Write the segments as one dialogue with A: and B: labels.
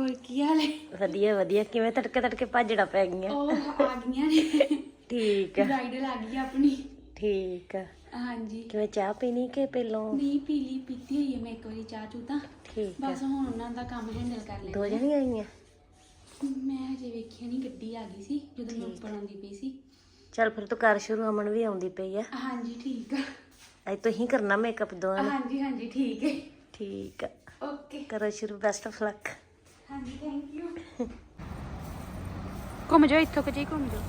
A: ਹੋਰ ਕੀ ਹਾਲ ਹੈ?
B: ਵਧੀਆ ਵਧੀਆ। ਕਿਵੇਂ ਤੜਕੇ ਤੜਕੇ ਭਾਜੜਾ ਪੈ ਗਈਆਂ?
A: ਉਹ ਆ ਗਈਆਂ ਨੇ।
B: ਠੀਕ ਆ
A: ਬ੍ਰਾਈਡਲ ਆ ਗਈ ਆਪਣੀ।
B: ਠੀਕ ਆ।
A: ਹਾਂਜੀ।
B: ਕਿਵੇਂ ਚਾਹ ਪੀਣੀ ਕਿ ਪਹਿਲੋਂ?
A: ਨਹੀਂ ਪੀਤੀ ਹੋਈ ਹੈ ਮੈਂ ਇੱਕ ਵਾਰੀ ਚਾਹ ਚੂ ਤਾਂ।
B: ਠੀਕ ਆ।
A: ਬਸ ਹੁਣ ਉਹਨਾਂ ਦਾ ਕੰਮ ਹੈਂਡਲ ਕਰ ਲੈਣਾ।
B: ਦੋ ਜਣੀਆਂ ਆਈਆਂ?
A: ਮੈਂ ਹਜੇ ਵੇਖਿਆ ਨਹੀਂ, ਗੱਡੀ ਆ ਗਈ ਸੀ ਜਦੋਂ ਮੈਂ ਉੱਪਰ ਆਉਂਦੀ ਪਈ ਸੀ।
B: ਚੱਲ ਫਿਰ ਤੂੰ ਕਰ ਸ਼ੁਰੂ, ਅਮਨ ਵੀ ਆਉਂਦੀ ਪਈ ਆ।
A: ਹਾਂਜੀ ਠੀਕ ਆ।
B: ਅੱਜ ਤੁਸੀਂ ਕਰਨਾ ਮੇਕਅਪ ਦੋਵਾਂ ਨੇ?
A: ਹਾਂਜੀ ਹਾਂਜੀ ਠੀਕ ਹੈ।
B: ਠੀਕ ਆ,
A: ਓਕੇ
B: ਕਰੋ ਸ਼ੁਰੂ। Best of luck.
A: ਹਾਂਜੀ ਥੈਂਕ ਯੂ। ਘੁੰਮ ਜਾਓ, ਇੱਥੋਂ ਕਿ ਘੁੰਮ ਜਾਓ।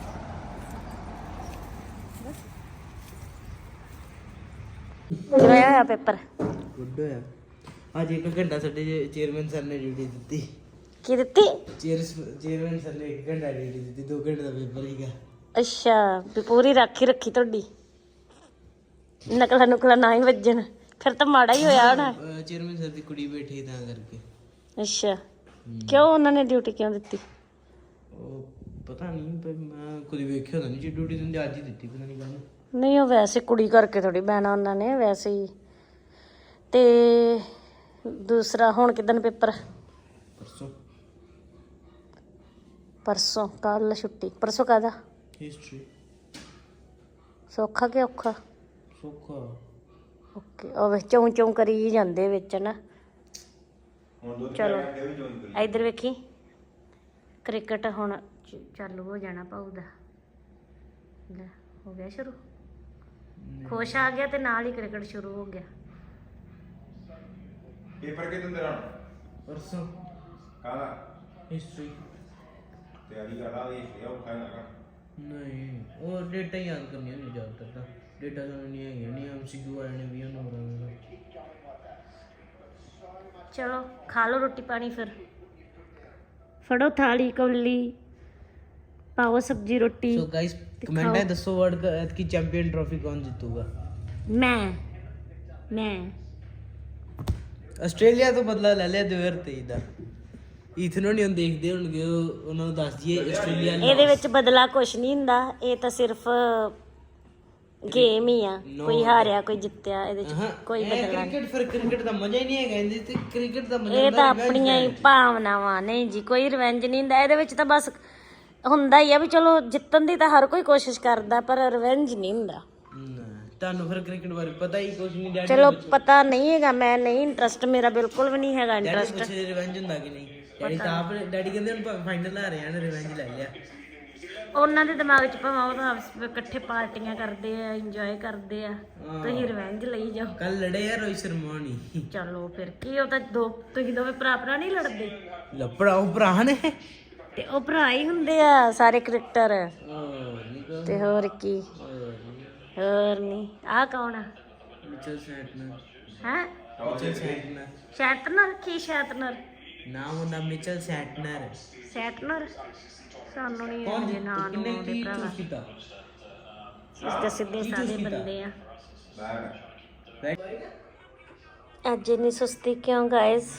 B: ਕਿਵੇਂ ਹੋਇਆ ਪੇਪਰ?
C: ਗੁੱਡ ਹੋਇਆ। ਅੱਜ 1 ਘੰਟਾ ਸਾਡੇ ਚੇਅਰਮੈਨ ਸਰ ਨੇ ਡਿਊਟੀ ਦਿੱਤੀ।
B: ਕੀ ਦਿੱਤੀ?
C: ਚੇਅਰਮੈਨ ਸਰ ਨੇ 1 ਘੰਟਾ ਡਿਊਟੀ ਦਿੱਤੀ, 2 ਘੰਟੇ ਦਾ ਪੇਪਰ ਸੀਗਾ।
B: ਅੱਛਾ, ਵੀ ਪੂਰੀ ਰਾਖੀ ਰੱਖੀ ਤੁਹਾਡੀ, ਨਕਲਾਂ ਨੁਕਲਾਂ ਨਾ ਹੀ ਵੱਜਣ। ਫਿਰ ਤਾਂ ਮਾੜਾ ਹੀ ਹੋਇਆ ਹੋਣਾ।
C: ਚੇਅਰਮੈਨ ਸਰ ਦੀ ਕੁੜੀ ਬੈਠੀ ਤਾਂ ਕਰਕੇ।
B: ਅੱਛਾ, ਕਿਉਂ ਉਹਨਾਂ ਨੇ ਡਿਊਟੀ ਕਿਉਂ ਦਿੱਤੀ?
C: ਉਹ ਪਤਾ ਨਹੀਂ, ਪਰ ਮੈਂ ਕਦੀ ਵੇਖਿਆ ਤਾਂ ਨਹੀਂ ਜੀ ਡਿਊਟੀ ਦਿੰਦੇ, ਅੱਜ ਹੀ ਦਿੱਤੀ ਪਤਾ ਨਹੀਂ ਕਾਹਨੂੰ।
B: ਨਹੀਂ, ਉਹ ਵੈਸੇ ਕੁੜੀ ਕਰਕੇ ਥੋੜੀ ਬਹਿਣਾ ਉਹਨਾਂ ਨੇ, ਵੈਸੇ ਹੀ। ਤੇ ਦੂਸਰਾ ਹੁਣ ਕਿਦਨ ਪੇਪਰ?
C: ਪਰਸੋਂ।
B: ਪਰਸੋਂ? ਕੱਲ ਛੁੱਟੀ? ਪਰਸੋਂ ਕਾਹਦਾ?
C: ਹਿਸਟਰੀ।
B: ਸੌਖਾ ਕਿ ਔਖਾ?
C: ਸੌਖਾ।
B: ਓਕੇ। ਉਹ ਵਿੱਚ ਚੌਂ ਚੌਂ ਕਰੀ ਜਾਂਦੇ ਵਿੱਚ ਨਾ। ਚਲੋ ਇੱਧਰ ਵੇਖੀ, ਕ੍ਰਿਕਟ ਹੁਣ ਚਾਲੂ ਹੋ ਜਾਣਾ ਭਾਊ ਦਾ। ਲੈ ਹੋ ਗਿਆ ਸ਼ੁਰੂ। ਖੁਸ਼ ਆ ਗਿਆ ਤੇ ਨਾਲ ਹੀ ਕ੍ਰਿਕਟ ਸ਼ੁਰੂ ਹੋ ਗਿਆ।
D: ਪੇਪਰ ਕਿਦੋਂ ਤੇਰਾ?
C: ਪਰਸੋਂ।
D: ਕਾਹਦਾ?
C: ਹਿਸਟਰੀ।
D: ਤਿਆਰੀ ਕਰਦਾ ਦੇ ਲਿਆ ਉਠਾ ਨਾ।
C: ਨਹੀਂ, ਉਹ ਡੇਟਾ ਯਾਦ ਕਰਨੀਆਂ ਨਹੀਂ ਜ਼ਿਆਦਾਤਰ ਤਾਂ। ਡੇਟਾ ਤਾਂ ਨਹੀਂ ਹੈਗੀਆਂ, ਨਹੀਂ MCQ ਆਏ ਨੇ 20 ਨੰਬਰਾਂ ਦਾ।
B: ਚਲੋ ਖਾ ਲਓ ਰੋਟੀ ਪਾਣੀ, ਫਿਰ ਫੜੋ ਥਾਲੀ ਕੌਲੀ, ਪਾਓ ਸਬਜ਼ੀ ਰੋਟੀ।
C: सो गाइस कमेंट है दसो वर्ल्ड की चैंपियन ट्रॉफी कौन जीतूगा?
B: मैं
C: ਆਸਟ੍ਰੇਲੀਆ ਤੋਂ ਬਦਲਾ ਲੈ ਲਿਆ 2023 ਦਾ। ਇਥਨੋਂ ਨਹੀਂ ਦੇਖਦੇ ਹੋਣਗੇ, ਉਹਨਾਂ ਨੂੰ ਦੱਸ ਦਈਏ ਆਸਟ੍ਰੇਲੀਆ
B: ਇਹਦੇ ਵਿੱਚ ਬਦਲਾ ਕੁਛ ਨਹੀਂ ਹੁੰਦਾ, ਇਹ ਤਾਂ ਸਿਰਫ ਗੇਮ ਹੀ ਆ। ਕੋਈ ਹਾਰਿਆ ਕੋਈ ਜਿੱਤਿਆ, ਇਹਦੇ ਚ ਕੋਈ ਬਦਲਾ ਨਹੀਂ।
C: ਕ੍ਰਿਕਟ, ਫਿਰ ਕ੍ਰਿਕਟ ਦਾ ਮਜ਼ਾ ਹੀ ਨਹੀਂ ਹੈਗਾ ਇਹਦੇ ਤੇ। ਕ੍ਰਿਕਟ ਦਾ ਮਜ਼ਾ
B: ਇਹ ਤਾਂ ਆਪਣੀਆਂ ਹੀ ਭਾਵਨਾਵਾਂ ਨੇ ਜੀ, ਕੋਈ ਰਿਵੈਂਜ ਨਹੀਂ ਹੁੰਦਾ ਇਹਦੇ ਵਿੱਚ। ਤਾਂ ਬਸ ਹੁੰਦਾ ਹੀ ਆ ਵੀ ਚਲੋ ਜਿੱਤਣ ਦੀ ਤਾਂ ਹਰ ਕੋਈ ਕੋਸ਼ਿਸ਼ ਕਰਦਾ, ਪਰ ਰਿਵੈਂਜ ਨਹੀਂ ਹੁੰਦਾ।
C: ਤੁਹਾਨੂੰ ਫਿਰ ਕ੍ਰਿਕਟ ਬਾਰੇ ਪਤਾ ਹੀ ਕੁਝ ਨਹੀਂ। ਡੈਡੀ
B: ਚਲੋ ਪਤਾ ਨਹੀਂ ਹੈਗਾ, ਮੈਂ ਨਹੀਂ ਇੰਟਰਸਟ, ਮੇਰਾ ਬਿਲਕੁਲ ਵੀ ਨਹੀਂ ਹੈਗਾ ਇੰਟਰਸਟ।
C: ਪੁੱਛੇ ਰਿਵੈਂਜ ਹੁੰਦਾ ਕਿ ਨਹੀਂ? ਡੈਡੀ ਤਾਂ ਆਪ ਡੈਡੀ ਕਹਿੰਦੇ ਹੁਣ ਫਾਈਨਲ ਆ ਰਹੇ ਹਨ, ਰਿਵੈਂਜ ਲੈ ਲਿਆ।
B: ਉਹਨਾਂ ਦੇ ਦਿਮਾਗ 'ਚ ਭਾਵੇਂ ਉਹ ਤਾਂ ਆਪਸ ਵਿੱਚ ਇਕੱਠੇ ਪਾਰਟੀਆਂ ਕਰਦੇ ਆ, ਇੰਜੋਏ ਕਰਦੇ ਆ, ਤੁਸੀਂ ਰਿਵੈਂਜ ਲਈ ਜਾਓ।
C: ਕੱਲ ਲੜੇ ਆ ਰੋਹਿਤ ਸ਼ਰਮਾ ਨਹੀਂ।
B: ਚਲੋ ਫਿਰ ਕੀ, ਉਹ ਤਾਂ ਤੁਸੀਂ ਦੋਵੇਂ ਭਰਾ ਨਹੀਂ ਲੜਦੇ?
C: ਲੱਪੜਾ ਉਹ ਭਰਾ ਨੇ
B: ਤੇ ਉਹ ਭਰਾ ਹੀ ਹੁੰਦੇ ਆ ਸਾਰੇ ਕ੍ਰਿਕਟਰ। ਤੇ ਹੋਰ ਕੀ, ਹੋਰ ਨਹੀਂ। ਆਹ ਕੌਣ ਆ?
C: ਮਿਚਲ ਸੈਟਨਰ।
B: ਹੈ
C: ਮਿਚਲ ਸੈਟਨਰ।
B: ਸ਼ੈਟਨਰ? ਕੀ ਸ਼ੈਟਨਰ?
C: ਨਾਮ ਉਹਦਾ ਮਿਚਲ ਸੈਟਨਰ।
B: ਸੈਟਨਰ? ਸਾਨੂੰ ਨਹੀਂ
C: ਕੌਣ
B: ਆਉਂਦੇ ਨਾਂ ਨੂੰ
C: ਕਿੰਨੇ
B: ਉਹਦੇ
C: ਕੀ
B: ਭਰਾਵਾ।
C: ਚੂਜ਼ ਕੀਤਾ?
B: ਇਸ ਦਾ ਸਿੱਧੇ ਸਾਦੇ ਬੰਦੇ ਆ।
D: ਬੈਗ
B: ਅੱਜ ਇੰਨੀ ਸੁਸਤੀ ਕਿਉਂ ਗਾਇਸ?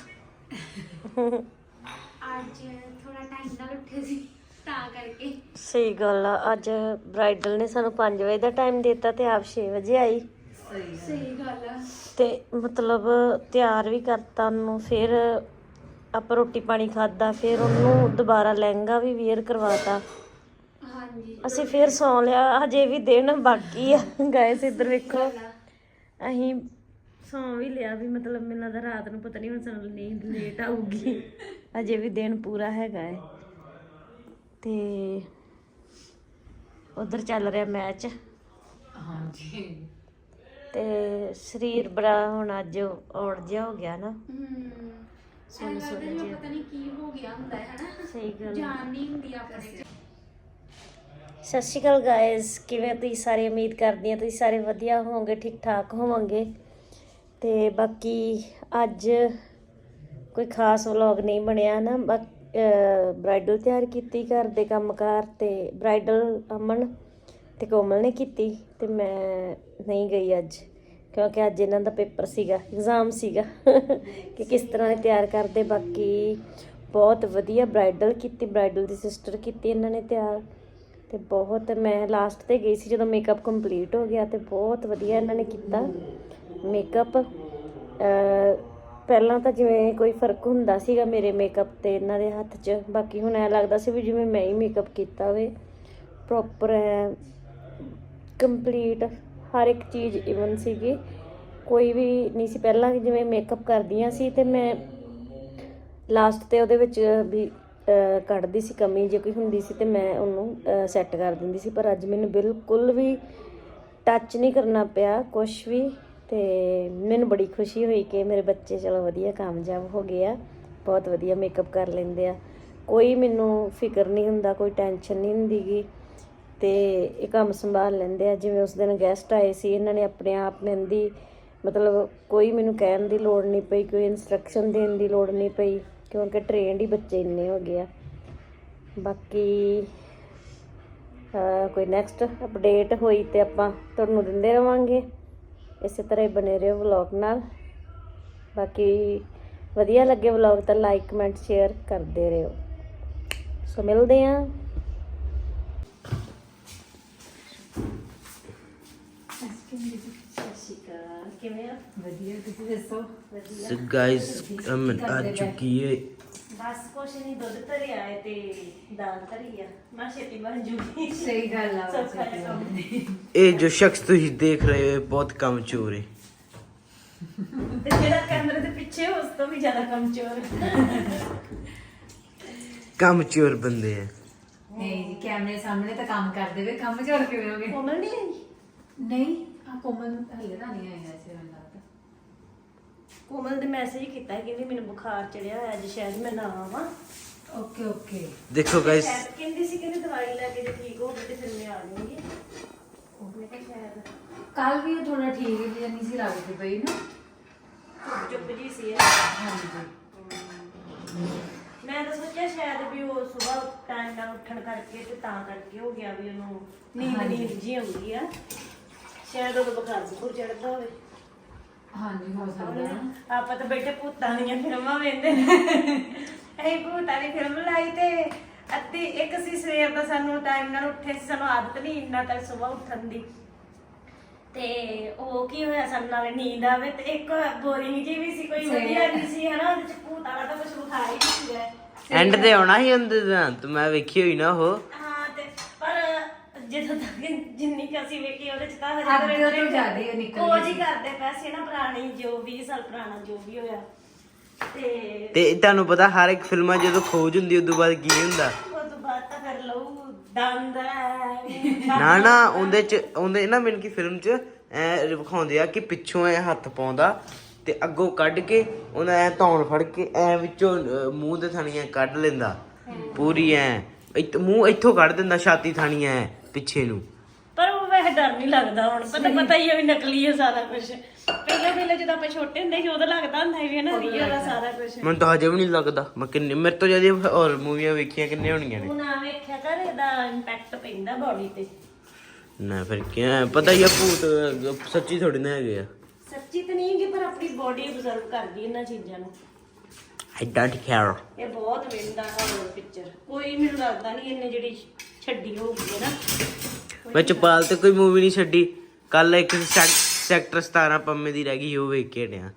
A: ਅੱਜ ਥੋੜਾ ਟਾਈਮ ਨਾਲ ਉੱਠੇ ਸੀ ਤਾਂ ਕਰਕੇ।
B: ਸਹੀ ਗੱਲ ਆ। ਅੱਜ ਬ੍ਰਾਈਡਲ ਨੇ ਸਾਨੂੰ 5 ਵਜੇ ਦਾ ਟਾਈਮ ਦਿੱਤਾ ਤੇ ਆਪ 6 ਵਜੇ ਆਈ।
A: ਸਹੀ ਗੱਲ ਆ।
B: ਤੇ ਮਤਲਬ ਤਿਆਰ ਵੀ ਕਰਤਾ ਉਹਨੂੰ, ਫਿਰ ਆਪਾਂ ਰੋਟੀ ਪਾਣੀ ਖਾਦਾ, ਫਿਰ ਉਹਨੂੰ ਦੁਬਾਰਾ ਲਹਿੰਗਾ ਵੀ ਵੇਅਰ ਕਰਵਾਤਾ।
A: ਹਾਂਜੀ
B: ਅਸੀਂ ਫਿਰ ਸੌਂ ਲਿਆ। ਹਜੇ ਵੀ ਦਿਨ ਬਾਕੀ ਆ ਗਾਇਸ। ਇੱਧਰ ਵੇਖੋ, ਅਸੀਂ ਸੌਂ ਵੀ ਲਿਆ ਵੀ, ਮਤਲਬ ਮੈਨੂੰ ਲੱਗਦਾ ਰਾਤ ਨੂੰ ਪਤਾ ਨਹੀਂ ਹੁਣ ਸਾਨੂੰ ਨੀਂਦ ਲੇਟ ਆਊਗੀ। ਅਜੇ ਵੀ ਦਿਨ ਪੂਰਾ ਹੈਗਾ ਹੈ। ਤੇ ਉਧਰ ਚੱਲ ਰਿਹਾ ਮੈਚ।
A: ਹਾਂਜੀ।
B: ਤੇ ਸਰੀਰ ਬੜਾ ਹੁਣ ਅੱਜ ਔੜ ਜਿਹਾ ਹੋ ਗਿਆ ਨਾ।
A: ਸੁਣ ਪਤਾ ਨਹੀਂ ਕੀ ਹੋ ਗਿਆ ਹੁੰਦਾ ਹੈ ਹਨਾ।
B: ਸਹੀ ਗੱਲ।
A: ਜਾਨ ਨਹੀਂ ਹੁੰਦੀ ਆਪਣੇ ਚ।
B: ਸਤਿ ਸ਼੍ਰੀ ਅਕਾਲ ਗਾਇਸ, ਕਿਵੇਂ ਤੁਸੀਂ ਸਾਰੇ? ਉਮੀਦ ਕਰਦੀ ਹਾਂ ਤੁਸੀਂ ਸਾਰੇ ਵਧੀਆ ਹੋਵੋਗੇ, ਠੀਕ ਠਾਕ ਹੋਵੋਗੇ। ਤੇ ਬਾਕੀ ਅੱਜ ਕੋਈ ਖਾਸ ਵਲੌਗ ਨਹੀਂ ਬਣਿਆ ਨਾ। ਬ੍ਰਾਈਡਲ ਤਿਆਰ ਕੀਤੀ, ਘਰ ਦੇ ਕੰਮਕਾਰ, ਤੇ ਬ੍ਰਾਈਡਲ ਅਮਨ ਤੇ ਕੋਮਲ ਨੇ ਕੀਤੀ, ਤੇ ਮੈਂ ਨਹੀਂ ਗਈ ਅੱਜ ਕਿਉਂਕਿ ਅੱਜ ਇਹਨਾਂ ਦਾ ਪੇਪਰ ਸੀਗਾ, ਐਗਜ਼ਾਮ ਸੀਗਾ ਕਿ ਕਿਸ ਤਰ੍ਹਾਂ ਦੇ ਤਿਆਰ ਕਰਦੇ। ਬਾਕੀ ਬਹੁਤ ਵਧੀਆ ਬ੍ਰਾਈਡਲ ਕੀਤੀ, ਬ੍ਰਾਈਡਲ ਦੀ ਸਿਸਟਰ ਕੀਤੀ ਇਹਨਾਂ ਨੇ ਤਿਆਰ। ਤੇ ਬਹੁਤ, ਮੈਂ ਲਾਸਟ ਤੇ ਗਈ ਸੀ ਜਦੋਂ ਮੇਕਅਪ ਕੰਪਲੀਟ ਹੋ ਗਿਆ, ਤੇ ਬਹੁਤ ਵਧੀਆ ਇਹਨਾਂ ਨੇ ਕੀਤਾ ਮੇਕਅਪ। ਪਹਿਲਾਂ ਤਾਂ ਜਿਵੇਂ ਕੋਈ ਫਰਕ ਹੁੰਦਾ ਸੀਗਾ ਮੇਰੇ ਮੇਕਅਪ ਤੇ ਇਹਨਾਂ ਦੇ ਹੱਥ 'ਚ, ਬਾਕੀ ਹੁਣ ਐ ਲੱਗਦਾ ਸੀ ਵੀ ਜਿਵੇਂ ਮੈਂ ਹੀ ਮੇਕਅਪ ਕੀਤਾ ਹੋਵੇ ਪ੍ਰੋਪਰ ਹੈ, ਕੰਪਲੀਟ ਹਰ ਇੱਕ ਚੀਜ਼ ਇਵਨ ਸੀਗੀ, ਕੋਈ ਵੀ ਨਹੀਂ ਸੀ। ਪਹਿਲਾਂ ਜਿਵੇਂ ਮੇਕਅਪ ਕਰਦੀਆਂ ਸੀ ਤੇ ਮੈਂ ਲਾਸਟ ਤੇ ਉਹਦੇ ਵਿੱਚ ਵੀ ਕੱਢਦੀ ਸੀ ਕਮੀ, ਜੇ ਕੋਈ ਹੁੰਦੀ ਸੀ ਤੇ ਮੈਂ ਉਹਨੂੰ ਸੈੱਟ ਕਰ ਦਿੰਦੀ ਸੀ, ਪਰ ਅੱਜ ਮੈਨੂੰ ਬਿਲਕੁਲ ਵੀ ਟੱਚ ਨਹੀਂ ਕਰਨਾ ਪਿਆ ਕੁਛ ਵੀ। ਤੇ ਮੈਨੂੰ ਬੜੀ ਖੁਸ਼ੀ ਹੋਈ ਕਿ ਮੇਰੇ ਬੱਚੇ ਚਲੋ ਵਧੀਆ ਕਾਮਯਾਬ ਹੋ ਗਏ ਆ, ਬਹੁਤ ਵਧੀਆ ਮੇਕਅਪ ਕਰ ਲੈਂਦੇ ਆ, ਕੋਈ ਮੈਨੂੰ ਫਿਕਰ ਨਹੀਂ ਹੁੰਦਾ, ਕੋਈ ਟੈਨਸ਼ਨ ਨਹੀਂ ਹੁੰਦੀ ਗੀ, ਤੇ ਇਹ ਕੰਮ ਸੰਭਾਲ ਲੈਂਦੇ ਆ। ਜਿਵੇਂ ਉਸ ਦਿਨ ਗੈਸਟ ਆਏ ਸੀ, ਇਹਨਾਂ ਨੇ ਆਪਣੇ ਆਪ ਮਹਿੰਦੀ ਮਤਲਬ ਕੋਈ ਮੈਨੂੰ ਕਹਿਣ ਦੀ ਲੋੜ ਨਹੀਂ ਪਈ, ਕੋਈ ਇਨਸਟਰਕਸ਼ਨ ਦੇਣ ਦੀ ਲੋੜ ਨਹੀਂ ਪਈ, ਕਿਉਂਕਿ ਟ੍ਰੇਨਡ ਹੀ ਬੱਚੇ ਇੰਨੇ ਹੋ ਗਏ ਆ। ਬਾਕੀ ਕੋਈ ਨੈਕਸਟ ਅਪਡੇਟ ਹੋਈ ਤੇ ਆਪਾਂ ਤੁਹਾਨੂੰ ਦਿੰਦੇ ਰਵਾਂਗੇ, ਇਸੇ ਤਰ੍ਹਾਂ ਹੀ ਬਣੇ ਰਹੋ ਵਲੌਗ ਨਾਲ। ਬਾਕੀ ਵਧੀਆ ਲੱਗੇ ਵਲੌਗ ਤਾਂ ਲਾਈਕ ਕਮੈਂਟ ਸ਼ੇਅਰ ਕਰਦੇ ਰਹੋ। ਸੋ ਮਿਲਦੇ ਹਾਂ। ਕਿਵੇਂ ਆ?
A: ਵਧੀਆ, ਤੁਸੀਂ ਦੱਸੋ?
C: So guys, ਅਮਨ ਆ ਚੁੱਕੀ ਹੈ।
B: ਬਸ ਕੁਛ ਨਹੀਂ, ਦੁੱਧ ਧਰਿਆ ਹੈ ਤੇ ਦਾਲ ਧਰੀ ਆ, ਮੈਂ ਛੇਤੀ ਬਣ ਜੂਗੀ।
A: ਸਹੀ ਗੱਲ ਆ।
B: ਸੌਖਾ ਜਿਹਾ ਕੰਮ।
C: ਇਹ ਜੋ ਸ਼ਖਸ ਤੁਸੀਂ ਦੇਖ ਰਹੇ ਹੋ ਬਹੁਤ ਕਮਜ਼ੋਰ ਹੈ,
B: ਤੇ ਜਿਹੜਾ ਕੈਮਰੇ ਦੇ ਪਿੱਛੇ ਉਸ ਤੋਂ ਵੀ ਜ਼ਿਆਦਾ ਕਮਜ਼ੋਰ
C: ਕਮਜ਼ੋਰ ਬੰਦੇ ਹੈ।
A: ਨਹੀਂ ਜੀ, ਕੈਮਰੇ ਸਾਹਮਣੇ ਤਾਂ ਕੰਮ ਕਰਦੇ ਵੇ, ਕੰਮ ਚੋਰ ਕਿਵੇਂ ਹੋਗੇ?
B: ਕੋਮਲ ਨਹੀਂ ਆਈ?
A: ਨਹੀਂ, ਆ ਕੋਮਲ ਹਲੇ ਤਾਂ ਨਹੀਂ ਆਇਆ ਸੀ ਮੈਨੂੰ ਲੱਗਦਾ।
B: ਕੋਮਲ ਦੇ ਮੈਸੇਜ ਕੀਤਾ ਕਿ ਕਹਿੰਦੀ ਮੈਨੂੰ ਬੁਖਾਰ ਚੜਿਆ ਹੋਇਆ ਅੱਜ, ਸ਼ਾਇਦ ਮੈਂ ਨਾ ਆਵਾਂ।
A: Okay okay.
C: ਦੇਖੋ ਗਾਇਸ,
B: ਸ਼ਾਇਦ ਕਹਿੰਦੀ ਸੀ ਕਿ ਦਵਾਈ ਲੈ ਕੇ ਜੇ ਠੀਕ ਹੋ ਗਈ ਤੇ ਫਿਰ ਮੈਂ ਆ ਜਾਊਂਗੀ। ਮੈਂ ਕਿਹਾ ਸ਼ਾਇਦ
A: ਕੱਲ ਵੀ ਉਹ ਥੋੜਾ ਠੀਕ ਜਿਹਾ ਨਹੀਂ ਸੀ ਲੱਗਦੀ ਪਈ ਨਾ,
B: ਚੁੱਪ ਜੀ ਸੀ।
A: ਹਾਂਜੀ।
B: ਮੈਂ ਤਾਂ ਸੋਚਿਆ ਸ਼ਾਇਦ ਵੀ ਉਹ ਸਵੇਰ ਟਾਈਮ ਨਾਲ ਉੱਠਣ ਕਰਕੇ ਤੇ ਤਾਂ ਕਰਕੇ ਹੋ ਗਿਆ ਵੀ ਉਹਨੂੰ ਨੀਂਦ ਜੀ ਆਉਂਦੀ ਆ, ਸ਼ਾਇਦ ਉਹਦਾ ਬੁਖਾਰ ਬੁਖਾਰ ਚੜਦਾ ਹੋਵੇ।
A: ਹਾਂਜੀ ਹੋ ਸਕਦਾ ਹੈ।
B: ਆਪਾਂ ਤਾਂ ਬੈਠੇ ਭੂਤਾਂ ਦੀਆਂ ਫਿਲਮਾਂ ਵੇਖਦੇ ਅਸੀਂ ਭੂਤਾਂ ਦੀ ਫਿਲਮ ਲਾਈ ਤੇ ਅੱਧੀ ਇੱਕ ਸੀ ਸਵੇਰ ਦਾ, ਸਾਨੂੰ ਟਾਈਮ ਨਾਲ ਉੱਠੇ ਸੀ, ਸਾਨੂੰ ਆਦਤ ਨਹੀਂ ਇੰਨਾ ਤੱਕ ਸਵੇਰ ਉੱਠਣ ਦੀ, ਤੇ ਉਹ ਕੀ ਹੋਇਆ ਸਾਨੂੰ ਨਾਲੇ ਨੀਂਦ ਆਵੇ ਤੇ ਇੱਕ ਬੋਰਿੰਗ ਜੀ ਵੀ ਸੀ, ਕੋਈ ਵਧੀਆ ਨਹੀਂ ਸੀ ਹਨਾ, ਉਹਦੇ ਚ ਭੂਤ ਵਾਲਾ ਤਾਂ ਕੁਝ ਵਿਖਾ ਹੀ ਨਹੀਂ ਸੀਗਾ।
C: ਐਂਡ ਤੇ ਆਉਣਾ ਹੀ ਹੁੰਦੇ ਤਾਂ ਤੇ ਮੈਂ ਵੇਖੀ ਹੋਈ ਨਾ ਉਹ।
B: ਹਾਂ ਤੇ ਪਰ ਜਦੋਂ ਤੱਕ ਜਿੰਨੀ ਕੁ ਅਸੀਂ ਵੇਖੀ ਉਹਦੇ ਚ ਤਾਂ
A: ਅੱਗੇ ਤੋਂ ਜ਼ਿਆਦਾ ਹੀ ਨਿਕਲ
B: ਉਹ ਜੀ ਕਰਦੇ ਪਏ ਸੀ ਨਾ, ਪੁਰਾਣੀ ਜੋ 20 ਸਾਲ ਪੁਰਾਣਾ ਜੋ ਵੀ ਹੋਇਆ।
C: ਤੇ ਤੁਹਾਨੂੰ ਪਤਾ ਹਰ ਇੱਕ ਫਿਲਮਾਂ ਜਦੋਂ ਖੋਜ ਹੁੰਦੀ ਉਦੋਂ ਬਾਅਦ ਕੀ ਹੁੰਦਾ?
B: ਉਹ ਤੋਂ ਬਾਅਦ ਤਾਂ ਫਿਰ ਲਊ ਦੰਦ
C: ਨਾ ਉਹਦੇ ਨਾ ਮੈਨੂੰ ਕੀ ਫਿਲਮ 'ਚ ਐ ਵਿਖਾਉਂਦੇ ਆ ਕਿ ਪਿੱਛੋਂ ਐ ਹੱਥ ਪਾਉਂਦਾ ਤੇ ਅੱਗੋਂ ਕੱਢ ਕੇ ਉਹਨਾਂ ਐ ਧੌਣ ਫੜ ਕੇ ਐ ਵਿੱਚੋਂ ਮੂੰਹ ਦੇ ਥਾਣੀਆਂ ਕੱਢ ਲੈਂਦਾ ਪੂਰੀ ਐ, ਮੂੰਹ ਇੱਥੋਂ ਕੱਢ ਦਿੰਦਾ ਛਾਤੀ ਥਾਣੀਆਂ ਐ ਪਿੱਛੇ ਨੂੰ।
B: ਪਰ ਉਹ ਵੈਸੇ ਡਰ ਨਹੀਂ ਲੱਗਦਾ ਹੁਣ, ਪਤਾ ਹੀ ਹੈ ਵੀ ਨਕਲੀ ਹੈ ਸਾਰਾ ਕੁਝ। ਪਹਿਲੇ ਜਦੋਂ ਆਪਾਂ ਛੋਟੇ ਹੁੰਦੇ ਸੀ ਉਦੋਂ ਲੱਗਦਾ ਹੁੰਦਾ ਸੀ ਨਾ ਰੀਅਲ ਦਾ ਸਾਰਾ ਕੁਝ।
C: ਮੈਨੂੰ ਤਾਂ ਹਜੇ ਵੀ ਨਹੀਂ ਲੱਗਦਾ, ਮੈਂ ਕਿੰਨੇ ਮੇਰੇ ਤੋਂ ਜਿਆਦਾ ਹੋਰ ਮੂਵੀਆਂ ਵੇਖੀਆਂ ਕਿੰਨੇ ਹੋਣੀਆਂ ਨੇ।
B: ਹੁਣ ਆ ਵੇਖਿਆ ਕਰ, ਇਹਦਾ ਇੰਪੈਕਟ ਪੈਂਦਾ ਬਾਡੀ ਤੇ।
C: ਨਾ ਫਿਰ ਕੀ ਪਤਾ ਹੀ ਆ, ਭੂਤ ਸੱਚੀ ਥੋੜੀ ਨਾ ਹੈਗੇ ਆ।
B: ਸੱਚੀ ਤਾਂ ਨਹੀਂ ਹੈਗੀ ਪਰ ਆਪਣੀ ਬਾਡੀ ਅਬਜ਼ਰਵ ਕਰਦੀ ਇਹਨਾਂ ਚੀਜ਼ਾਂ ਨੂੰ।
C: I don't care।
B: ਇਹ ਬਹੁਤ ਵੇਂਦਾ ਹਾਰਰ ਪਿਕਚਰ, ਕੋਈ ਮੈਨੂੰ ਲੱਗਦਾ ਨਹੀਂ ਇਹਨੇ ਜਿਹੜੀ ਛੱਡੀ ਹੋਊਗੀ ਨਾ।
C: ਮੈਂ ਚਪਾਲ ਤੇ ਕੋਈ ਮੂਵੀ ਨਹੀਂ ਛੱਡੀ, ਕੱਲ ਇੱਕ ਸੈਕਟਰ 17 ਪੰਮੇ ਦੀ ਰਹਿ ਗਈ, ਉਹ ਵੇਖ ਕੇ ਹਟਿਆ।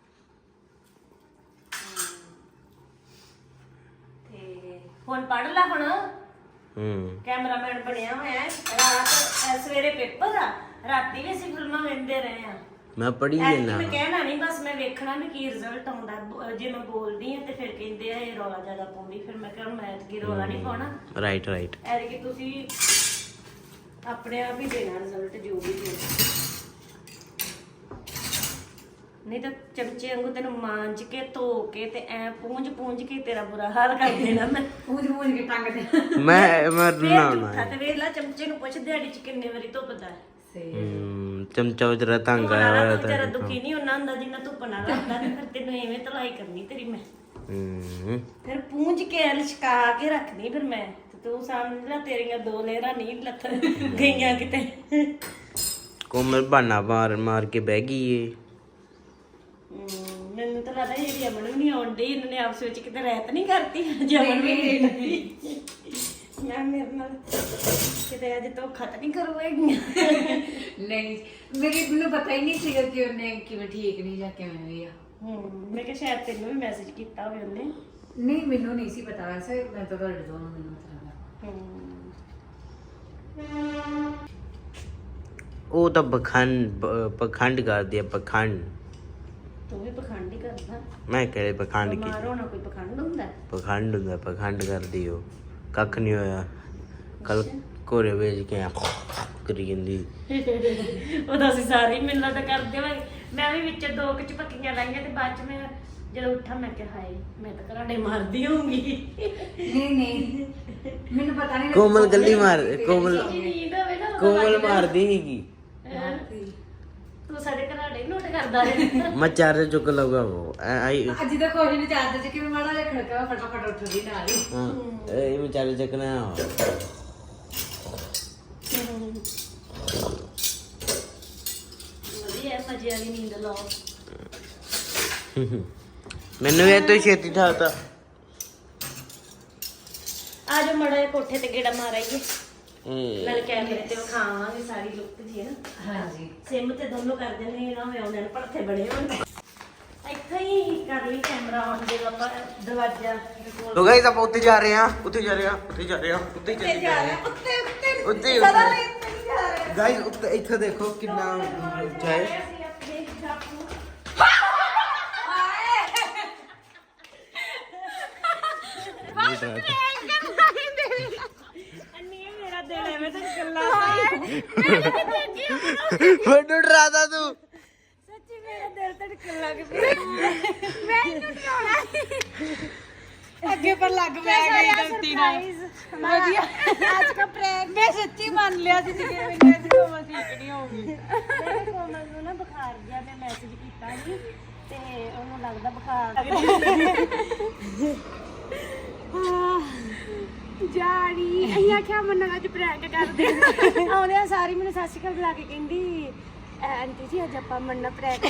B: ਤੇ ਹੁਣ ਪੜ ਲੈ ਹੁਣ। ਕੈਮਰਾਮੈਨ ਬਣਿਆ ਹੋਇਆ ਹੈ। ਰਾਤ ਸਵੇਰੇ ਪੇਪਰ ਆ, ਰਾਤੀ ਵੀ ਅਸੀਂ ਫਿਲਮਾਂ ਵੇਖਦੇ ਰਹੇ ਆ।
C: ਮੈਂ ਪੜ੍ਹੀ
B: ਐਤਕੀ
C: ਜਾਂਦਾ
B: ਮੈਂ ਕਹਿਣਾ ਨਹੀਂ, ਬਸ ਮੈਂ ਵੇਖਣਾ ਵੀ ਕੀ ਰਿਜ਼ਲਟ ਆਉਂਦਾ। ਜੇ ਮੈਂ ਬੋਲਦੀ ਆ ਤੇ ਫਿਰ ਕਹਿੰਦੇ ਆ ਇਹ ਰੌਲਾ ਜ਼ਿਆਦਾ ਪਾਉਂਦੀ, ਫਿਰ ਮੈਂ ਕਿਹਾ ਮੈਂ ਐਤਕੀ ਰੌਲਾ ਨਹੀਂ ਪਾਉਣਾ।
C: ਰਾਈਟ
B: ਐਤਕੀ ਤੁਸੀਂ ਆਪਣੇ ਆਪ ਹੀ ਦੇਣਾ ਰਿਜ਼ਲਟ ਜੋ ਵੀ ਹੋਵੇ, ਨਹੀਂ ਤਾਂ ਚਮਚੇ ਵਾਂਗੂ ਤੈਨੂੰ ਮਾਂਜ ਕੇ ਧੋ ਕੇ ਤੇ ਐ ਪੂੰਝ ਕੇ ਤੇਰਾ ਬੁਰਾ ਹਾਲ ਕਰ ਦੇਣਾ ਮੈਂ।
A: ਪੂੰਝ ਕੇ ਟੰਗ ਦੇ।
C: ਮੈਂ
B: ਫੇਰ
C: ਨਾ
B: ਝੂਠਾ ਤੇ ਵੇਖ ਲੈ, ਚਮਚੇ ਨੂੰ ਪੁੱਛ ਦਿਹਾੜੀ ਚ ਕਿੰਨੇ ਵਾਰੀ ਧੁੱਪਦਾ ਹੈ।
C: ਚਮਚਾ ਵਿਚਾਰਾ ਤੰਗ
B: ਧੁੱਪ ਨਾਲ
C: ਆਇਆ
B: ਤਾਂ ਵਿਚਾਰਾ ਦੁਖੀ ਨਹੀਂ ਹੁੰਦਾ ਹੁੰਦਾ ਜਿੰਨਾ ਧੁੱਪ ਨਾਲ ਹੁੰਦਾ, ਤੇ ਫਿਰ ਤੈਨੂੰ ਐਵੇਂ ਧਲਾਈ ਕਰਨੀ ਤੇਰੀ ਮੈਂ। ਫਿਰ ਪੂੰਝ ਕੇ ਲਸ਼ਕਾ ਕੇ ਰੱਖਣੀ ਫਿਰ ਮੈਂ, ਤੇ ਤੂੰ ਸਮਝ ਲੈ ਤੇਰੀਆਂ 2 ਲੇਅਰਾਂ ਨਹੀਂ ਲੱਥ ਗਈਆਂ ਕਿਤੇ।
C: ਕੋਮਲ ਬਹਾਨਾ ਮਾਰ ਕੇ ਬਹਿ ਗਈ ਏ।
B: ਮੈਨੂੰ ਤਾਂ ਲੱਗਦਾ ਜਿਹੜੀ ਅਮਨ ਵੀ ਨਹੀਂ ਆਉਂਦੀ, ਇਹਨਾਂ ਨੇ ਆਪਸ ਵਿੱਚ ਕਿਤੇ ਰਹਿਤ ਨਹੀਂ ਕਰਤੀ। ਜਮਨ ਵੀ ਨਹੀਂ ਮੈਂ ਮੇਰੇ ਨਾਲ ਕਿਤੇ ਅੱਜ ਧੋਖਾ ਤਾਂ ਨਹੀਂ ਕਰਵਾਏਗੀ।
A: ਨਹੀਂ ਮੈਨੂੰ ਪਤਾ ਹੀ ਨਹੀਂ ਸੀਗਾ ਕਿ ਉਹਨੇ ਕਿਵੇਂ ਠੀਕ ਨਹੀਂ ਜਾਂ ਕਿਵੇਂ ਵੀ ਆ।
B: ਮੈਂ ਕਿਹਾ ਸ਼ਾਇਦ ਤੈਨੂੰ ਵੀ ਮੈਸੇਜ ਕੀਤਾ ਹੋਵੇ ਉਹਨੇ।
A: ਨਹੀਂ ਮੈਨੂੰ ਨਹੀਂ ਸੀ ਪਤਾ ਵੈਸੇ, ਮੈਂ ਤਾਂ ਤੁਹਾਡੇ ਦੋਨੋਂ ਮੈਨੂੰ
C: ਉਹ ਤਾਂ ਪਖੰਡ ਕਰਦੀ ਆ, ਪਖੰਡ।
B: ਤੂੰ ਵੀ ਪਖੰਡ ਹੀ ਕਰਦਾ।
C: ਮੈਂ ਕਿਹੜੇ ਪਖੰਡ ਕੀ?
B: ਬਿਮਾਰ ਹੋਣਾ ਕੋਈ ਪਖੰਡ ਹੁੰਦਾ?
C: ਪਖੰਡ ਹੁੰਦਾ, ਪਖੰਡ ਕਰਦੀ ਉਹ। ਕੱਖ ਨਹੀਂ ਹੋਇਆ, ਕੱਲ ਘੋੜੇ ਵੇਚ ਕੇ ਕਰੀ ਜਾਂਦੀ।
B: ਉਹਦਾ ਅਸੀਂ ਸਾਰੇ ਹੀ ਮਿਲਣਾ ਤਾਂ ਕਰਦੇ ਹੋਏ। ਮੈਂ ਵੀ ਵਿੱਚ ਦੋ ਕੁ ਝਪੱਕੀਆਂ ਲਾਈਆਂ ਤੇ ਬਾਅਦ ਚ ਮੈਂ ਜਦੋਂ ਉੱਠਾ ਮੈਂ ਕਿਹਾ ਹਾਏ ਮੈਂ ਤਾਂ ਘਰਾੜੇ ਮਾਰਦੀ ਹੋਊਂਗੀ।
A: ਨਹੀਂ ਮੈਨੂੰ ਪਤਾ ਨਹੀਂ
C: ਕੋਮਲ ਗੱਲੀ ਮਾਰ, ਕੋਮਲ
B: ਨੀਂਦ ਹੋਵੇ ਨਾ
C: ਕੋਮਲ ਮਾਰਦੀ ਸੀਗੀ।
B: ਤੂੰ ਸਾਡੇ ਘਰਾੜੇ ਨੋਟ ਕਰਦਾ ਹੈ।
C: ਮੈਂ ਚਾਰੇ ਚੁੱਕ ਲਊਗਾ ਉਹ ਆਈ।
A: ਅੱਜ ਦਾ ਕੁਝ ਨਹੀਂ ਚਾਹਦਾ ਕਿ ਮੈਂ ਮਾੜਾ ਜਿਹਾ ਖੜਕਾ ਫਟਾਫਟ ਉੱਠਦੀ ਨਾਲ ਹੀ।
C: ਹਾਂ ਇਹ ਮੈਂ ਚਾਰੇ ਚੱਕਣਾ।
B: ਵਧੀਆ ਮਜ਼ੇ ਵਾਲੀ ਨੀਂਦ ਲਾਓ।
C: ਮੈਨੂੰ ਇਹ ਤੋਂ ਛੇਤੀ ਠਾਤਾ।
B: ਆ ਜਾ ਮੜਾ ਜਿਹਾ ਕੋਠੇ ਤੇ ਗੇੜਾ ਮਾਰ ਆਈਏ, ਨਾਲ ਕੈਮਰੇ ਤੇ ਵਿਖਾਵਾਂਗੇ ਸਾਰੀ ਲੁੱਕ ਜੀ ਹੈ ਨਾ।
A: ਹਾਂਜੀ
B: ਸਿਮ ਤੇ ਦੋਨੋਂ ਕਰ ਦਿੰਦੇ ਨਾ ਹੋਵੇ ਉਹਨਾਂ ਨੇ ਭੜਥੇ ਬਣੇ ਹੋਣ। ਇੱਥੇ ਹੀ ਕਰ ਲਈ ਕੈਮਰਾ ਆਨ ਜਦੋਂ ਆਪਾਂ ਦਰਵਾਜ਼ਾ ਕੋਲ।
C: ਲੋ ਗਾਇਸ ਆਪਾਂ ਉੱਤੇ ਜਾ ਰਹੇ ਹਾਂ, ਉੱਤੇ ਜਾ ਰਹੇ ਹਾਂ, ਉੱਤੇ ਜਾ ਰਹੇ ਹਾਂ, ਉੱਤੇ ਚੱਲੇ ਜਾ ਰਹੇ ਹਾਂ, ਉੱਤੇ ਗਾਇਸ ਉੱਤੇ। ਇੱਥੇ ਦੇਖੋ ਕਿੰਨਾ ਉੱਚਾ ਹੈ।
B: ਮੇਰਾ ਦਿਲ ਐਵੇਂ ਤਾਂ ਗੱਲਾਂ
C: ਮੈਨੂੰ ਡਰਾਦਾ ਤੂੰ।
B: ਸੱਚੀ ਮੇਰਾ ਦਿਲ ਧੜਕਣ ਲੱਗ ਪਿਆ। ਮੈਨੂੰ ਡਰਾਉਣਾ
A: ਅੱਗੇ ਪਰ ਲੱਗ ਪੈ ਗਈ ਗਲਤੀ ਨਾਲ। ਵਧੀਆ ਅੱਜ ਦਾ ਪ੍ਰੈਂਕ ਮੈਂ ਸੱਚੀ ਮੰਨ ਲਿਆ ਸੀ ਕਿ ਮੈਨੂੰ ਅੱਜ ਕੋਮਲ ਠੀਕ ਨਹੀਂ ਹੋਊਗੀ।
B: ਮੇਰੇ ਕੋਮਲ ਨੂੰ ਨਾ ਬੁਖਾਰ ਗਿਆ, ਮੈਂ ਮੈਸੇਜ ਕੀਤਾ ਸੀ ਤੇ ਉਹਨੂੰ ਲੱਗਦਾ ਬੁਖਾਰ
A: ਜਾਣੀ ਅਸੀਂ ਆਖਿਆ ਮੰਨਣਾ ਅੱਜ ਪ੍ਰੈਂਕ ਕਰਦੇ
B: ਆਉਂਦੇ ਸਾਰੀ ਮੈਨੂੰ ਸਤਿ ਸ਼੍ਰੀ ਅਕਾਲ ਬੁਲਾ ਕੇ ਕਹਿੰਦੀ ਆਂਟੀ ਜੀ ਅੱਜ ਆਪਾਂ ਮੰਨਣਾ ਪ੍ਰੈਂਕ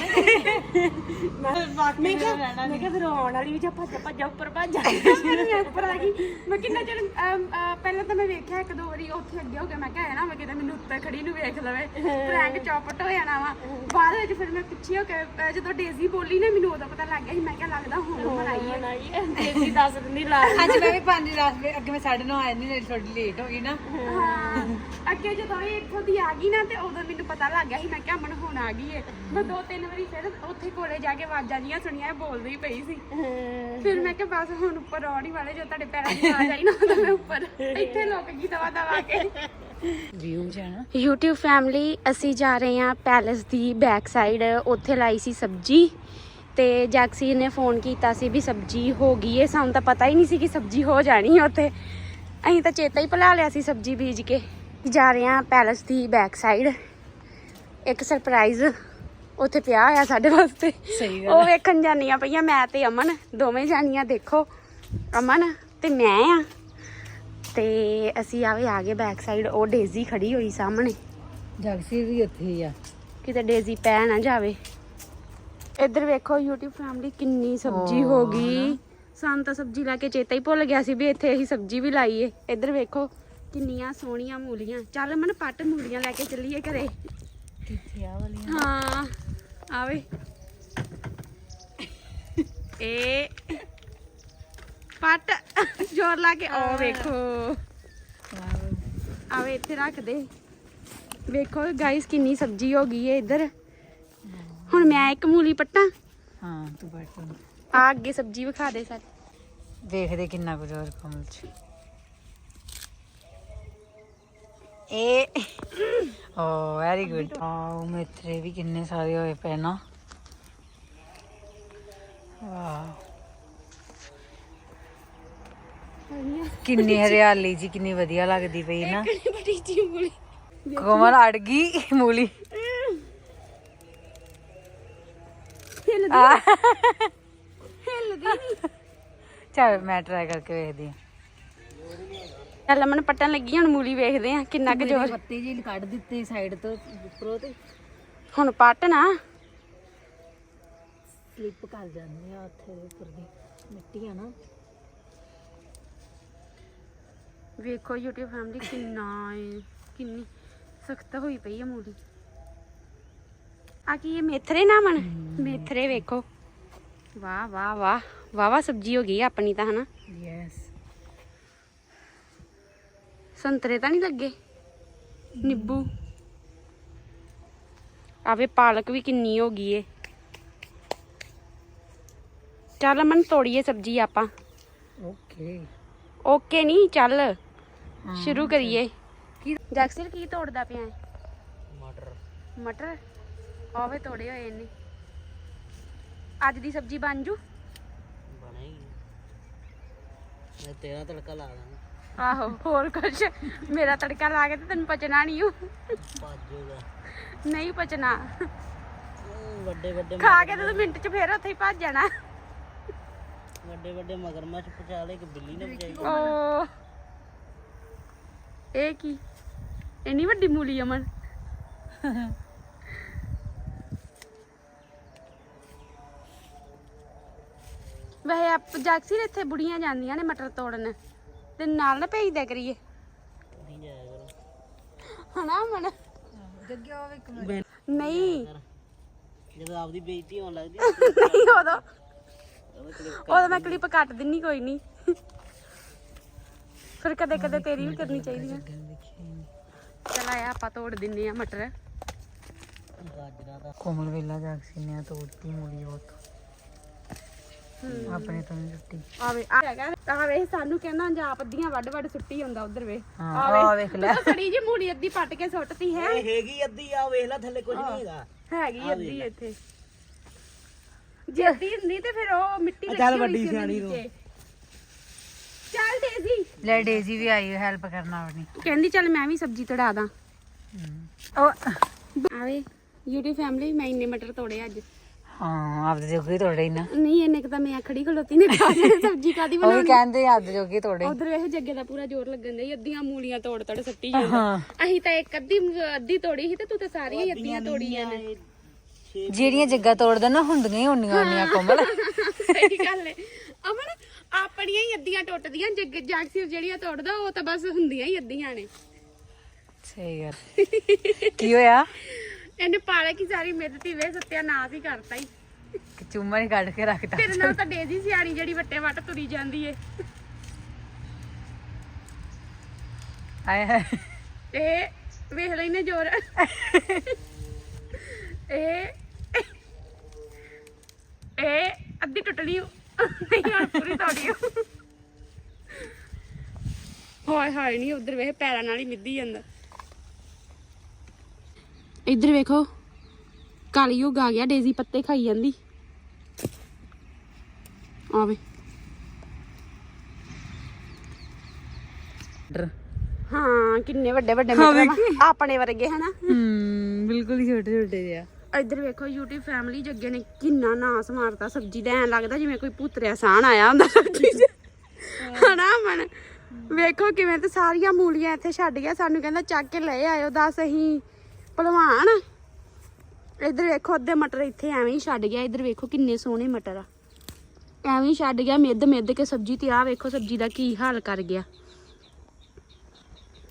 B: ਮੈਂ ਕਿਹਾ ਫਿਰ ਆਉਣ ਵਾਲੀ ਵੀ ਜਾਂ ਭੱਜਾ ਉੱਪਰ ਭੱਜ ਫਿਰ ਮੈਂ ਉੱਪਰ ਆ ਗਈ। ਮੈਂ ਕਿੰਨਾ ਚਿਰ ਪਹਿਲਾਂ ਤਾਂ ਮੈਂ ਵੇਖਿਆ ਇੱਕ ਦੋ ਵਾਰੀ ਉੱਥੇ ਅੱਗੇ ਹੋ ਗਿਆ। ਮੈਂ ਕਿਹਾ ਨਾ ਮੈਂ ਕਿਤੇ ਮੈਨੂੰ ਉੱਤੇ ਖੜੀ ਨੂੰ ਵੇਖ ਲਵੇ ਪ੍ਰੈਂਕ ਚੌਪਟ ਹੋ ਜਾਣਾ ਵਾ। ਬਾਅਦ ਵਿੱਚ ਫਿਰ ਮੈਂ ਪਿੱਛੇ ਹੋ ਕੇ ਜਦੋਂ ਡੇਜ਼ੀ ਬੋਲੀ ਨਾ ਮੈਨੂੰ ਉਦੋਂ ਪਤਾ ਲੱਗ ਗਿਆ ਸੀ। ਮੈਂ ਕਿਹਾ ਲੱਗਦਾ ਹੁਣ ਬਣਾਈ ਹੈ ਡੇਜ਼ੀ ਦੱਸ ਦਿੰਦੀ ਲਾ।
A: ਅੱਜ ਮੈਂ ਵੀ 5:10 ਅੱਗੇ ਮੈਂ 9:30 ਆਇਆ ਨਹੀਂ, ਥੋੜੀ ਲੇਟ ਹੋ ਗਈ ਨਾ।
B: ਹਾਂ ਅੱਗੇ ਜਦੋਂ ਇਹ ਇੱਥੋਂ ਦੀ ਆ ਗਈ ਨਾ ਤੇ ਉਦੋਂ ਮੈਨੂੰ ਪਤਾ ਲੱਗ ਗਿਆ ਸੀ। ਮੈਂ ਕਿਹਾ ਮਨ ਹੁਣ ਆ ਗਈ ਏ। ਮੈਂ 2-3 ਵਾਰੀ ਫਿਰ ਉੱਥੇ ਕੋਲੇ ਜਾ ਕੇ ਆਵਾਜ਼ਾਂ ਜੀਆਂ ਸੁਣੀਆਂ, ਬੋਲਦੀ ਪਈ ਸੀ। ਫਿਰ ਮੈਂ ਕਿਹਾ ਬਸ ਹੁਣ ਉੱਪਰ ਆਉਣ ਹੀ ਵਾਲੇ, ਜੋ ਤੁਹਾਡੇ ਪੈਰਾਂ ਦੀ ਆਵਾਜ਼ ਆਈ ਨਾ ਉਦੋਂ ਮੈਂ ਉੱਪਰ ਇੱਥੇ ਲੁੱਕ ਗਈ ਦਵਾ ਕੇ।
A: ਵਿਊ ਜਾਣਾ
B: YouTube ਫੈਮਿਲੀ ਅਸੀਂ ਜਾ ਰਹੇ ਹਾਂ ਪੈਲੇਸ ਦੀ ਬੈਕ ਸਾਈਡ। ਉੱਥੇ ਲਾਈ ਸੀ ਸਬਜ਼ੀ ਤੇ ਜੈਕਸੀ ਨੇ ਫੋਨ ਕੀਤਾ ਸੀ ਵੀ ਸਬਜ਼ੀ ਹੋ ਗਈ ਏ। ਸਾਨੂੰ ਤਾਂ ਪਤਾ ਹੀ ਨਹੀਂ ਸੀ ਕਿ ਸਬਜ਼ੀ ਹੋ ਜਾਣੀ ਹੈ ਉੱਥੇ। ਅਸੀਂ ਤਾਂ ਚੇਤਾ ਹੀ ਭੁਲਾ ਲਿਆ ਸੀ ਸਬਜ਼ੀ ਬੀਜ ਕੇ। ਜਾ ਰਹੇ ਹਾਂ ਪੈਲੇਸ ਦੀ ਬੈਕ ਸਾਈਡ। ਇੱਕ ਸਰਪ੍ਰਾਈਜ਼ ਉੱਥੇ ਪਿਆ ਹੋਇਆ ਸਾਡੇ ਵਾਸਤੇ।
A: ਸਹੀ
B: ਉਹ ਵੇਖਣ ਜਾਨੀਆਂ ਪਈਆਂ ਮੈਂ ਤੇ ਅਮਨ, ਦੋਵੇਂ ਜਾਨੀਆਂ। ਦੇਖੋ ਅਮਨ ਤੇ ਮੈਂ ਆ ਤੇ ਅਸੀਂ ਆ ਗਏ ਬੈਕ ਸਾਈਡ। ਉਹ ਡੇਜ਼ੀ ਖੜੀ ਹੋਈ ਸਾਹਮਣੇ।
A: ਜਗਸੀ ਵੀ ਉੱਥੇ ਹੀ ਆ,
B: ਕਿਤੇ ਡੇਜ਼ੀ ਪੈ ਨਾ ਜਾਵੇ। ਇੱਧਰ ਵੇਖੋ YouTube ਫੈਮਿਲੀ ਕਿੰਨੀ ਸਬਜ਼ੀ ਹੋ ਗਈ। ਸਾਨੂੰ ਤਾਂ ਸਬਜ਼ੀ ਲੈ ਕੇ ਚੇਤਾ ਹੀ ਭੁੱਲ ਗਿਆ ਸੀ ਵੀ ਇੱਥੇ ਅਸੀਂ ਸਬਜ਼ੀ ਵੀ ਲਾਈ ਏ। ਇੱਧਰ ਵੇਖੋ ਕਿੰਨੀਆਂ ਸੋਹਣੀਆਂ ਮੂਲੀਆਂ। ਚੱਲ ਮਨ ਪੱਟ ਮੂਲੀਆਂ ਲੈ ਕੇ ਚੱਲੀਏ ਘਰੇ।
A: ਕਿੱਥੇ ਆ ਵਾਲੀਆਂ?
B: ਹਾਂ ਆਵੇ ਇਹ ਪੱਟ ਜ਼ੋਰ ਲਾ ਕੇ। ਉਹ ਵੇਖੋ ਆਵੇ ਇੱਥੇ ਰੱਖ ਦੇ। ਵੇਖੋ ਗਾਇਸ ਕਿੰਨੀ ਸਬਜ਼ੀ ਹੋ ਗਈ ਹੈ ਇੱਧਰ। ਹੁਣ ਮੈਂ ਇੱਕ ਮੂਲੀ ਪੱਟਾਂ।
A: ਹਾਂ ਤੂੰ ਬੈਠ
B: ਆ ਅੱਗੇ ਸਬਜ਼ੀ ਵਿਖਾ ਦੇ ਸਾਰੇ।
A: ਵੇਖਦੇ ਕਿੰਨਾ ਕੁਝ ਹੋਰ ਕਮਲ ਚ। ਇਹ ਓ ਵੈਰੀ ਗੁੱਡ। ਆਹ ਮੇਥਰੇ ਵੀ ਕਿੰਨੇ ਸਾਰੇ ਹੋਏ ਪਏ ਨਾ। ਵਾਹ ਕਿੰਨੀ ਹਰਿਆਲੀ ਜੀ, ਕਿੰਨੀ ਵਧੀਆ ਲੱਗਦੀ ਪਈ ਨਾ।
B: ਬੜੀ ਜੀ ਮੂਲੀ
A: ਕੋਮਲ ਅੜ ਗਈ ਮੂਲੀ। ਚਲ ਮੈਂ ਟਰਾਈ ਕਰਕੇ ਵੇਖਦੀ ਹਾਂ।
B: ਚੱਲ ਮਨ ਪੱਟਣ ਲੱਗੀ। ਹੁਣ ਮੂਲੀ ਵੇਖਦੇ ਆ ਕਿੰਨਾ ਕੁ ਜ਼ੋਰ।
A: ਪੱਤੇ ਜੀ ਕੱਢ ਦਿੱਤੇ ਸਾਈਡ ਤੋਂ ਉੱਪਰੋਂ ਤੇ
B: ਹੁਣ ਪੱਟ ਨਾ
A: ਸਲਿੱਪ ਕਰ ਜਾਂਦੇ ਆ ਉੱਥੇ ਦੇ ਉੱਪਰ ਦੀ ਮਿੱਟੀ ਆ ਨਾ।
B: ਵੇਖੋ YouTube ਫੈਮਿਲੀ ਕਿੰਨੀ ਸਖਤ ਹੋਈ ਪਈ ਹੈ ਮੂਲੀ। ਆ ਕੀ ਇਹ ਮੇਥਰੇ ਨਾ ਮਨ? ਮੇਥਰੇ ਵੇਖੋ
A: ਵਾਹ ਵਾਹ ਵਾਹ ਵਾਵਾ ਸਬਜ਼ੀ ਹੋ ਗਈ ਆਪਣੀ ਤਾਂ ਹਨਾ।
B: ਯੈਸ।
A: ਸੰਤਰੇ ਤਾਂ ਨਹੀਂ ਲੱਗੇ? ਨਿੰਬੂ ਆਵੇ, ਪਾਲਕ ਵੀ ਕਿੰਨੀ ਹੋ ਗਈ ਏ। ਚੱਲ ਅਮਨ ਤੋੜੀਏ ਸਬਜ਼ੀ ਆਪਾਂ।
B: ਓਕੇ।
A: ਓਕੇ ਨਹੀਂ, ਚੱਲ ਸ਼ੁਰੂ ਕਰੀਏ। ਜੈਕਸਨ ਕੀ ਤੋੜਦਾ ਪਿਆ ਹੈ? ਮਟਰ ਆਵੇ ਤੋੜੇ ਹੋਏ ਨੇ। ਅੱਜ ਦੀ ਸਬਜ਼ੀ ਬਣ ਜੂ?
B: ਬਣੇਗੀ। ਮੈਂ ਤੇਰਾ ਤੜਕਾ ਲਾ ਦਾਂਗਾ।
A: ਆਹੋ, ਹੋਰ ਕੁਛ? ਮੇਰਾ ਤੜਕਾ ਲਾ ਕੇ ਤੇ ਤੈਨੂੰ ਪਚਣਾ ਨਹੀਂ
B: ਭਾਜੂਗਾ
A: ਨਹੀਂ ਪਚਣਾ।
B: ਵੱਡੇ ਵੱਡੇ
A: ਖਾ ਕੇ ਤੇ ਤੂੰ ਮਿੰਟ ਚ ਫੇਰ ਉੱਥੇ ਹੀ ਭੱਜ ਜਾਣਾ।
B: ਵੱਡੇ ਵੱਡੇ ਮਗਰਮੱਛ ਪਚਾ ਲੈ, ਕਿ ਬਿੱਲੀ ਨੇ ਪਚਾਈ।
A: ਓ ਇਹ ਕੀ ਇੰਨੀ ਵੱਡੀ ਮੂਲੀ ਅਮਨ? ਵੈਸੇ ਆਪ ਜੈਕਸੀ ਇੱਥੇ ਬੁੜੀਆਂ ਜਾਂਦੀਆਂ ਨੇ ਮਟਰ ਤੋੜਨ, ਤੇ ਨਾਲ ਨਾ ਭੇਜ ਦਿਆ ਕਰੀਏ
B: ਨਹੀਂ ਜਾਇਆ ਕਰੋ
A: ਹਨਾ ਅਮਨ? ਨਹੀਂ
B: ਜਦੋਂ ਆਪਦੀ ਬੇਇੱਜ਼ਤੀ ਹੋਣ ਲੱਗਦੀ
A: ਨਹੀਂ, ਉਦੋਂ ਮੈਂ ਕਲਿੱਪ ਕੱਟ ਦਿੰਨੀ, ਕੋਈ ਨਹੀਂ। ਫਿਰ ਕਦੇ ਕਦੇ ਤੇਰੀ ਵੀ ਕਰਨੀ ਚਾਹੀਦੀ ਹੈ। ਚਲ ਆਇਆ ਆਪਾਂ ਤੋੜ ਦਿੰਨੇ ਆ ਮਟਰ।
B: ਗਾਜਰਾਂ ਦਾ
E: ਕੋਮਲ ਵੇਲਾ ਜੈਕਸੀ ਨੇ ਤੋੜਤੀ ਮੂਲੀ ਉਹ ਆਪਣੇ ਤੋਂ ਨੀ ਟੁੱਟੀ।
A: ਆਵੇ ਆਵੇ ਸਾਨੂੰ ਕਹਿੰਦਾ ਜਾਂ ਅੱਧੀਆਂ ਵੱਡ ਵੱਡ ਸੁੱਟੀ ਹੁੰਦਾ ਉਧਰ ਵੇ।
E: ਆ ਵੇਖ ਲੈ।
A: ਸੜੀ ਜੀ ਮੂਲੀ ਅੱਧੀ ਪੱਟ ਕੇ ਸੁੱਟਤੀ ਹੈ।
B: ਇਹ ਹੈਗੀ ਅੱਧੀ ਆ, ਵੇਖ ਲੈ ਥੱਲੇ ਕੁਝ ਨਹੀਂ ਹੈਗਾ।
A: ਹੈਗੀ ਅੱਧੀ ਇੱਥੇ। ਜੇ ਅੱਧੀ ਹੁੰਦੀ ਤੇ ਫਿਰ ਉਹ ਮਿੱਟੀ ਲੱਗੀ
B: ਚੱਲ
A: ਹੋਈ
B: ਵੱਡੀ
A: ਸੀ ਉਹਦੇ
B: ਸਿਆਣੀ ਨੂੰ।
A: ਨੀਚੇ। ਚੱਲ ਡੇਜ਼ੀ
E: ਲੈ ਡੇਜ਼ੀ ਵੀ ਆਈ ਹੈਲਪ ਕਰਨ ਆਪਣੀ।
A: ਕਹਿੰਦੀ ਚੱਲ ਮੈਂ ਵੀ ਸਬਜ਼ੀ ਤੜਾ ਦਾਂ।
E: ਉਹ
A: ਆਵੇ YouTube ਫੈਮਿਲੀ, ਮੈਂ ਇੰਨੇ ਮਟਰ ਤੋੜੇ ਅੱਜ।
E: ਹਾਂ ਆਪਦੇ ਜੋਗੀ ਤੋੜੇ ਨਾ।
A: ਨਹੀਂ ਇੰਨੇ ਕੁ ਤਾਂ ਮੈਂ ਖੜੀ ਖਲੋਤੀ ਨੇ ਖਾ ਲੈਣੇ, ਸਬਜ਼ੀ ਕਾਦੀ
E: ਉਹ ਵੀ
A: ਬਣਾਉਣੀ।
E: ਕਹਿੰਦੇ ਆਪਦੇ ਜੋਗੀ ਤੋੜੇ।
A: ਉਧਰ ਇਹ ਜੱਗੇ ਦਾ ਪੂਰਾ ਜ਼ੋਰ ਲੱਗਣ ਦੇ, ਅੱਧੀਆਂ ਮੂਲੀਆਂ ਤੋੜ ਤੜ ਸੱਟੀ ਜਾਂਦਾ। ਅਸੀਂ ਤਾਂ ਇੱਕ ਅੱਧੀ ਤੋੜੀ ਸੀ ਤੇ ਤੂੰ ਤਾਂ ਸਾਰੀਆਂ ਹੀ ਅੱਧੀਆਂ ਤੋੜੀਆਂ ਨੇ।
E: ਜਿਹੜੀਆਂ ਜੱਗਾ ਤੋੜਦਾ ਨਾ ਹੁੰਦੀਆਂ ਹੀ ਹੁੰਦੀਆਂ ਕੋਮਲ।
A: ਸਹੀ ਗੱਲ ਹੈ ਅਮਨ, ਆਪਣੀਆਂ ਹੀ ਅੱਧੀਆਂ ਟੁੱਟਦੀਆਂ, ਜੈਕਸੀ ਜਿਹੜੀਆਂ ਤੋੜਦਾ ਉਹ ਤਾਂ ਬਸ ਹੁੰਦੀਆਂ ਹੀ ਅੱਧੀਆਂ ਨੇ।
E: ਸਹੀ ਗੱਲ। ਕੀ ਹੋਇਆ?
A: ਇਹਨੇ ਪਾਲਕ ਹੀ ਸਾਰੀ ਮਿੱਧਤੀ ਵੇ, ਸੱਤਿਆਨਾਸ਼ ਹੀ ਕਰਤਾ ਹੀ।
E: ਚੁੰਮਾ ਹੀ ਕੱਢ ਕੇ ਰੱਖਤਾ।
A: ਤੇਰੇ ਨਾਲ ਤਾਂ ਡੇਜ਼ੀ ਸਿਆਣੀ ਜਿਹੜੀ ਵੱਟੇ ਵੱਟ ਤੁਰੀ ਜਾਂਦੀ ਏ।
E: ਆਏ ਹਾਏ।
A: ਇਹ ਵੇਖ ਲੈਨੇ ਜ਼ੋਰ। ਇਹ ਅੱਧੀ ਟੁੱਟਣੀ ਨਹੀਂ, ਹੁਣ ਪੂਰੀ ਤੋੜੀ। ਹਾਏ ਹਾਏ ਨਹੀਂ, ਉਧਰ ਵੇਖ ਪੈਰਾਂ ਨਾਲ ਹੀ ਮਿੱਧੀ ਜਾਂਦਾ। ਇੱਧਰ ਵੇਖੋ ਕਲਯੁਗ ਆ ਗਿਆ, ਡੇਜ਼ੀ ਪੱਤੇ ਖਾਈ ਜਾਂਦੀ। ਆਵੇ ਹਾਂ, ਕਿੰਨੇ ਵੱਡੇ ਵੱਡੇ ਮਟਰ ਆਪਣੇ ਵਰਗੇ ਹਨਾ।
E: ਬਿਲਕੁਲ ਹੀ ਛੋਟੇ ਛੋਟੇ ਜਿਹਾ।
A: ਇੱਧਰ ਵੇਖੋ YouTube ਫੈਮਿਲੀ, ਜੱਗੇ ਨੇ ਕਿੰਨਾ ਨਾਸ ਮਾਰਤਾ ਸਬਜ਼ੀ ਦਾ। ਐਂ ਲੱਗਦਾ ਜਿਵੇਂ ਕੋਈ ਭੂਤਰਿਆ ਸਾਣ ਆਇਆ ਹੁੰਦਾ ਸਬਜ਼ੀ 'ਚ ਹਨਾ ਮਨ। ਵੇਖੋ ਕਿਵੇਂ ਤੇ ਸਾਰੀਆਂ ਮੂਲੀਆਂ ਇੱਥੇ ਛੱਡ ਗਿਆ, ਸਾਨੂੰ ਕਹਿੰਦਾ ਚੱਕ ਕੇ ਲੈ ਆਇਓ। ਦੱਸ ਅਸੀਂ ਭਲਵਾਨ। ਇੱਧਰ ਵੇਖੋ ਅੱਧੇ ਮਟਰ ਇੱਥੇ ਐਵੇਂ ਹੀ ਛੱਡ ਗਿਆ। ਇੱਧਰ ਵੇਖੋ ਕਿੰਨੇ ਸੋਹਣੇ ਮਟਰ ਆ, ਐਵੇਂ ਹੀ ਛੱਡ ਗਿਆ ਮਿੱਧ ਕੇ ਸਬਜ਼ੀ। ਤੇ ਆਹ ਵੇਖੋ ਸਬਜ਼ੀ ਦਾ ਕੀ ਹਾਲ ਕਰ ਗਿਆ।